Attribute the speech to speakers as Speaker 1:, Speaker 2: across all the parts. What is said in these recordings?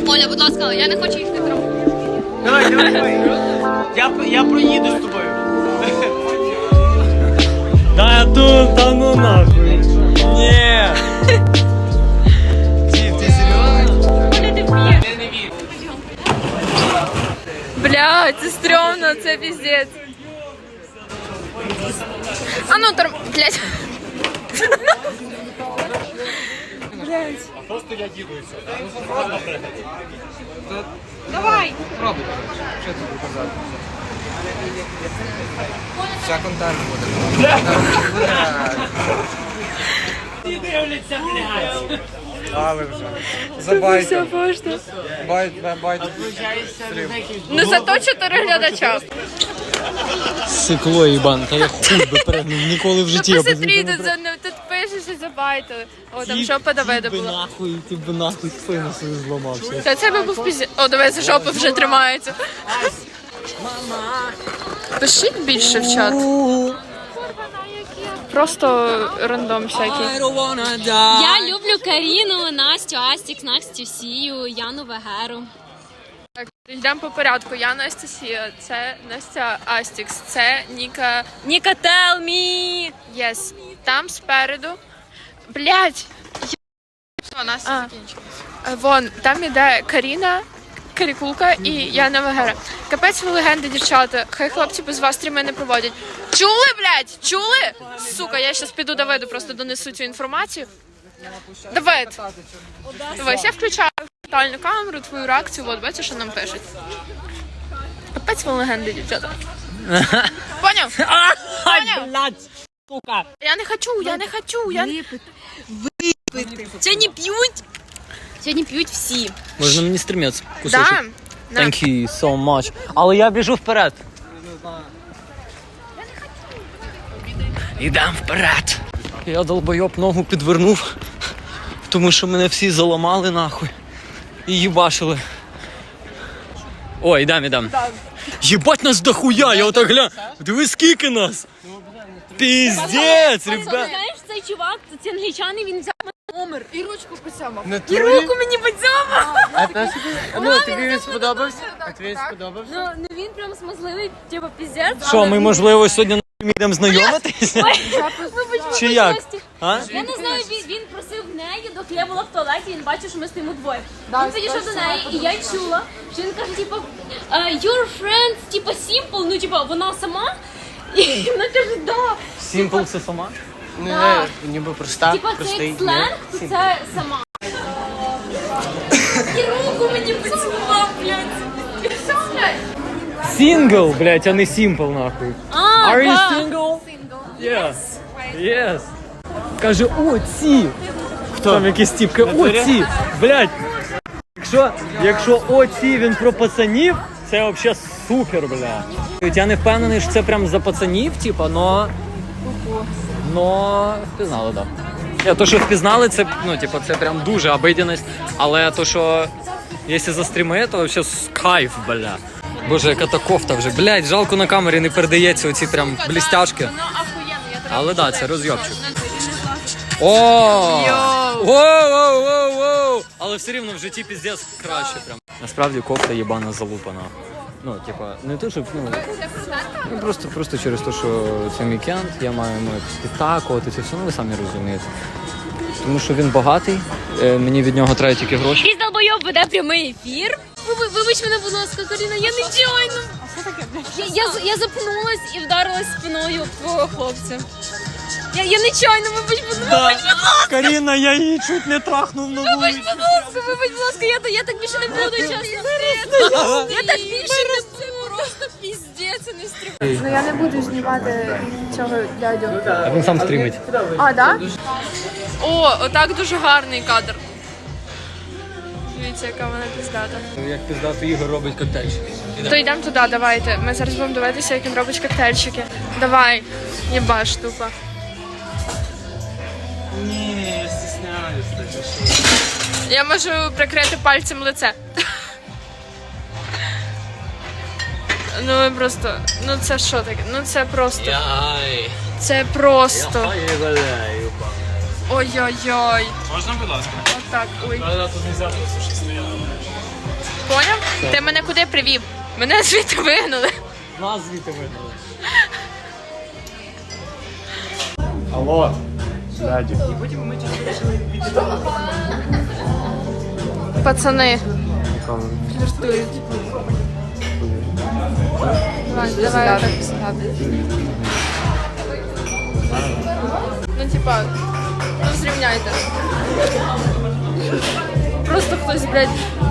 Speaker 1: Оля, будь ласка, я не хочу їх не травмувати.
Speaker 2: Давай. Я проїду з тобою.
Speaker 3: Да тут, та ну нахуй. Ні.
Speaker 2: Ти серйозно?
Speaker 1: Оля, ти вмієш.
Speaker 2: Я не вірю.
Speaker 4: Бля, це стрьомно, це піздець. А ну, блядь. Блядь.
Speaker 3: Просто я їду і все.
Speaker 4: Давай.
Speaker 2: Пробуй. Що тут показати? Вся контент буде.
Speaker 3: Дивляться, блядь.
Speaker 2: Але вже.
Speaker 4: Це
Speaker 2: Забайте.
Speaker 4: вся пошта.
Speaker 2: Байте.
Speaker 4: Ну зато 4 глядача.
Speaker 3: Сикло їбан, та я хуй би перегнув, ніколи в житті.
Speaker 4: Ну посмотри, тут пишеш, що забайтили. О, там жопа Давида була.
Speaker 3: Нахуй, ти б нахуй спину свою зламався.
Speaker 4: Та це би був піздець. О, дивися, жопа вже тримається. Пишіть більше в чат. Просто рандом всякий.
Speaker 1: Я люблю Каріну, Настю, Астікс, Настю, Сію, Яну Вегеру.
Speaker 4: Так, йдемо по порядку. Я Настя Сія, це Настя Астікс, це Ніка.
Speaker 1: Ніка, tell me!
Speaker 4: Єс. Там спереду. Блять! Все, Настя закінчилась. Вон, там іде Каріна, Карікулка і Яна Вегера. Капець ви легенди, дівчата. Хай хлопці без вас стріми не проводять. Чули, блять? Чули? Сука, я щас піду Давиду, просто донесу цю інформацію. Давид! Дивись, я включаю тотальну камеру, твою реакцію, от бачиш, що нам пишуть. Капець ви легенди, дівчата. Поняв? Поняв?
Speaker 3: Блядь, сука.
Speaker 4: Я не хочу, я не...
Speaker 1: Сьогодні п'ють. Сьогодні п'ють всі.
Speaker 3: Можна мені стрімець кусочок?
Speaker 4: Да. На.
Speaker 3: Thank you so much. Але я біжу вперед. Ідем вперед. Я долбойоб ногу підвернув, тому що мене всі заламали нахуй і їбашили. О, ідем. Єбать нас дохуя, я отак гляну. Диви скільки нас. Піздець, ребят.
Speaker 1: Знаєш, цей чувак, це англічани, він взяв номер.
Speaker 4: І ручку посямав.
Speaker 1: І руку мені поцьомав.
Speaker 2: Ну, тобі він сподобався? А тобі він сподобався?
Speaker 1: Ну він прям смазливий, типу, піздець.
Speaker 3: Що, ми, можливо, сьогодні йдемо знайомитися? Чи як? А?
Speaker 1: Я не знаю, він просив в неї, доки я була в туалеті, він бачив, що ми стоїмо двоє. Він підійшов до неї, і я чула, що він каже, типу, your friend, типу, simple, ну, типу, вона сама. І вона каже, да.
Speaker 3: Simple це сама?
Speaker 2: Не, ніби проста,
Speaker 1: Типа це
Speaker 2: простий.
Speaker 1: як сленг, то це сама. І руку мені поцілував, блядь. Що, блядь?
Speaker 3: Сингл, блядь, а не simple, нахуй.
Speaker 1: А,
Speaker 3: Are you
Speaker 1: да.
Speaker 3: single? Yes. Yes. Каже, о, ці. Хто? Там якісь тіпки, о, ці. Блядь. Якщо о, ці, він про пацанів, це взагалі супер, бля. Я не впевнений, що це прям за пацанів, типа, но впізнали, да. Ні, то, що впізнали, це, ну, типу, це прям дуже обидяність, але то, що якщо за стріми, то взагалі кайф, бля. Боже, яка та кофта вже, блядь, жалко на камері не передається оці прям блістяшки. Але да, це розйобчик. О! Воу! Але все рівно в житті піздець краще прям. Насправді кофта єбана залупана. Ну, типа, не то, щоб, ну просто через те, що це вікенд, я маю якось підтакувати, це все, ну ви самі розумієте. Тому що він багатий, мені від нього треба тільки гроші.
Speaker 1: Якийсь долбойоб веде прямий ефір. Вибач мене, будь ласка, Каріна, я нечайно. Я запнулась і вдарилась спиною в твого хлопця. Я нечайно, вибач, будь ласка.
Speaker 3: Каріна, я її чуть не трахнув на вулиці.
Speaker 1: Вибач, будь ласка, я так більше не буду, чесно. Я так більше не буду. Це просто піздець, не стрибай.
Speaker 4: Ну я не буду знімати цього дядю.
Speaker 3: А він сам стрімить.
Speaker 4: А, да? О, отак дуже гарний кадр. Дивіться, яка вона піздата.
Speaker 3: Як піздато Ігор робить коктейльчики.
Speaker 4: То йдемо туди, давайте. Ми зараз будемо дивитися, як він робить коктейльчики. Давай, єбаш, тупо.
Speaker 3: Ні, я стісняюсь.
Speaker 4: Я можу прикрити пальцем лице. Ну ви просто, ну це що таке? Ну це просто.
Speaker 3: Яй.
Speaker 4: Це просто.
Speaker 3: Я гуляю.
Speaker 4: Ой-ой-ой.
Speaker 2: Можна, будь ласка?
Speaker 4: Отак, ой.
Speaker 3: Тут не взяти, що стояло.
Speaker 4: Ти мене куди привів? Мене звідти вигнали.
Speaker 3: Нас звідти вигнали.
Speaker 2: Алло, дяді.
Speaker 4: Пацани. Фліртують. Давай так сяди. Ну, типа, ну зрівняйте. Просто хтось, блядь.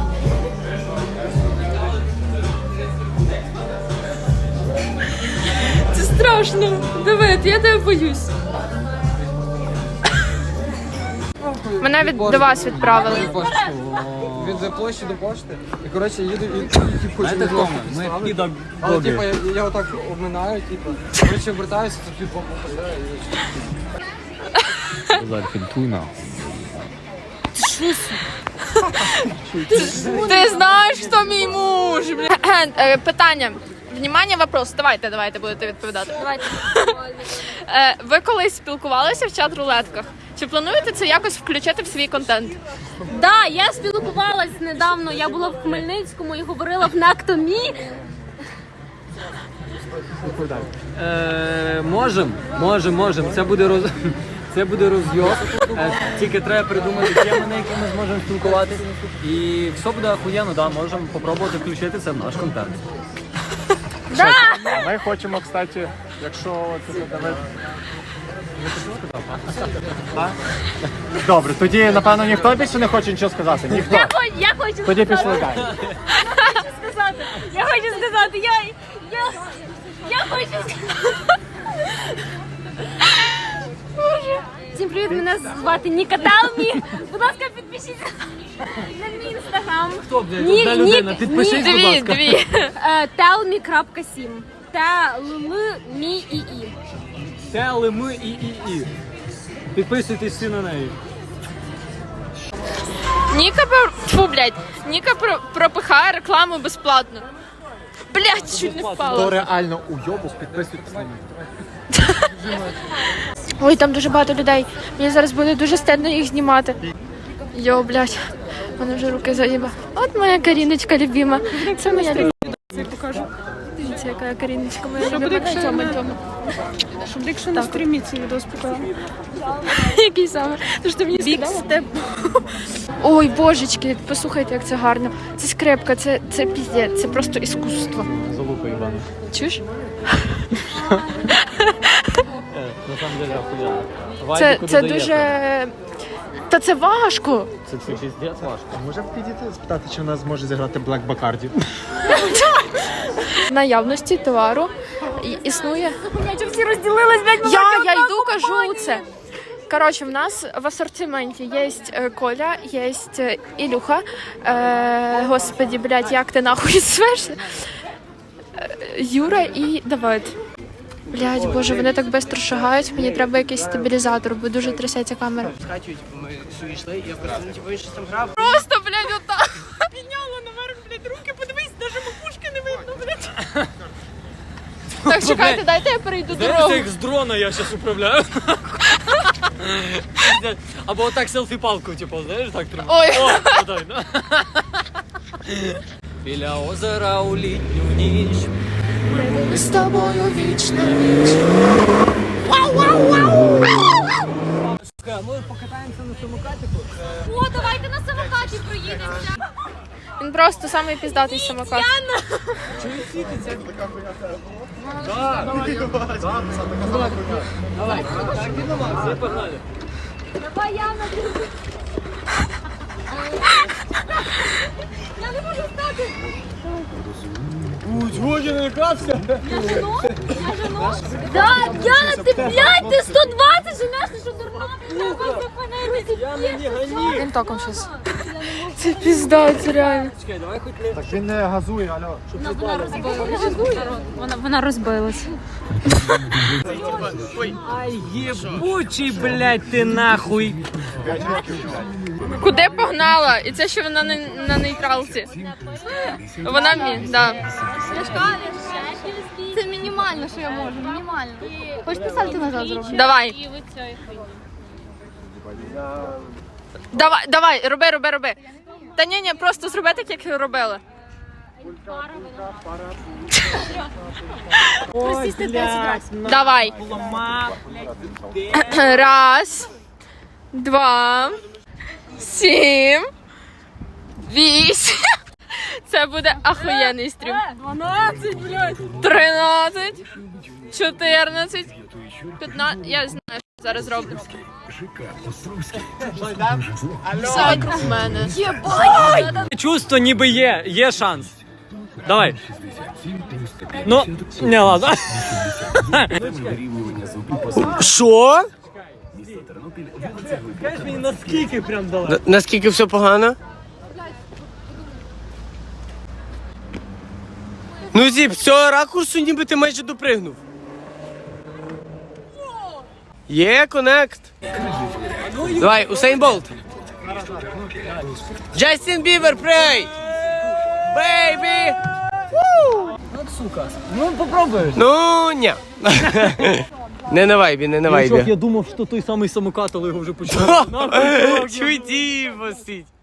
Speaker 4: Це страшно. Давид, я тебе боюсь. Мене до вас відправили.
Speaker 5: Від площі до пошти. І, коротше, їду і хочу
Speaker 3: Знаєте, Тома, ми піда
Speaker 5: але, типу, я отак обминаю, типу, коротше, вертаюся, це під боку попадає.
Speaker 3: Аргентина.
Speaker 4: Ти знаєш, хто мій муж, бля. Питання. Внимание, вопрос. Давайте будете відповідати. Давайте. Ви колись спілкувалися в чат-рулетках? Чи плануєте це якось включити в свій контент?
Speaker 1: Да, я спілкувалась недавно, я була в Хмельницькому і говорила в Нактомі.
Speaker 3: Можем. Це буде розйоб. Тільки треба придумати теми, на які ми зможемо спілкуватися. І все буде охуєнно, да, можемо спробувати включити це в наш контент.
Speaker 2: Ми хочемо, кстати, якщо це Давид... Добре, тоді, напевно, ніхто більше не хоче нічого сказати. Ніхто.
Speaker 1: Я хочу
Speaker 2: Тоді
Speaker 1: сказати.
Speaker 2: пішли далі.
Speaker 1: Я хочу сказати, я хочу сказати. Всім привіт, мене звати Ніка Талмі. Будь ласка, підпишіться на мій інстаграм.
Speaker 3: Хто, блядь, одна людина, підпишись, будь ласка.
Speaker 4: Дві.
Speaker 1: Telme.sim. Telme.ii.
Speaker 3: Телеми і. Підписуйтесь всі на неї.
Speaker 4: Ніка пропихає рекламу безплатно. Блять, чуть не
Speaker 2: Хто
Speaker 4: впала.
Speaker 2: реально уйобух, підписуйтесь на нього.
Speaker 4: Ой, там дуже багато людей. Мені зараз буде дуже стидно їх знімати. Йо, блядь, в мене вже руки заїба. От моя Каріночка любима. Це моя любима. Це покажу. Дивіться, яка Каріночка моя любима.
Speaker 6: Щоб якщо на стрімі цей відео показав.
Speaker 4: Який саме? Тож ти мені сказала? Ой, божечки, послухайте, як це гарно. Це скрипка, це піздець, це просто іскусство.
Speaker 3: Залупа, Івана.
Speaker 4: Чуєш?
Speaker 3: На самом деле охуєнно.
Speaker 4: Це дуже... Та це важко.
Speaker 3: Це піздець важко.
Speaker 2: Може підійти спитати, чи в нас зможе зіграти Black Bacardi?
Speaker 4: В наявності товару існує.
Speaker 1: Всі розділились, блядь,
Speaker 4: Я йду, кажу це. Коротше, в нас в асортименті є Коля, є Ілюха. Господи, блядь, як ти нахуй звешся? Юра і Давид. Блядь, боже, вони так швидко шагають, мені треба якийсь стабілізатор, бо дуже трясеться камера.
Speaker 7: Скачують, ми сюди йшли, я просто, ну, типу, він щось там грав.
Speaker 4: Просто, блядь, отак.
Speaker 6: Підняла наверх, блядь, руки, подивись, навіть макушки не видно, блядь.
Speaker 4: Так, чекайте, дайте я перейду дорогу.
Speaker 3: Дивіться, як з дрона я зараз управляю. Або отак селфі-палку, типу, знаєш, так тримаю.
Speaker 4: Ой.
Speaker 3: О, подай, да. Біля озера у літню ніч.
Speaker 4: Ми з тобою вічно.
Speaker 3: Ми покатаємося на самокатику.
Speaker 1: О, давайте на самокаті проїдемося.
Speaker 4: Він просто самий піздатий самокат.
Speaker 3: Давай, так і нема, всі погнали.
Speaker 1: Давай, Яна. Я не можу стати.
Speaker 3: Годі не лякався.
Speaker 1: Да, Яна, ти, блядь, ти 120 женеш, ти що дурна? Треба зупинитися.
Speaker 4: Він током щось. Це піздець, реально.
Speaker 3: Чекай, давай хоч не...
Speaker 2: Так він не газує, алло.
Speaker 1: Вона розбилась.
Speaker 3: Ай, єбучий, блядь, ти нахуй.
Speaker 4: Куди погнала? І це ще вона на нейтралці. Вона да.
Speaker 8: Це мінімально, що я можу, мінімально. Хочеш писати назад зробити?
Speaker 4: Давай. Давай, роби. Та ні, просто зроби так, як робила.
Speaker 1: Присісти 10 разів.
Speaker 4: Давай. Раз, 2, 7, 8. Це буде ахуєнний стрім.
Speaker 1: 12, блядь.
Speaker 4: 13, 14, 15. Я знаю, що зараз роблю. Все вокруг мене.
Speaker 3: Чувство ніби є шанс. Давай. Ну, не, ладно.
Speaker 2: Що?
Speaker 3: Скажи мені, наскільки прям дала?
Speaker 2: Наскільки все погано? Ну, Зіп, з цього ракурсу ніби ти майже допригнув. Є конект. Давай, Усейн Болт. Джастін Бібер, прей! Бейбі!
Speaker 3: Ну, попробуєш.
Speaker 2: Ну, ні. Не на вайбі, не на вайбі.
Speaker 3: Я думав, що той самий самокат, але його вже почали.
Speaker 2: Чуй, Діво, сидь.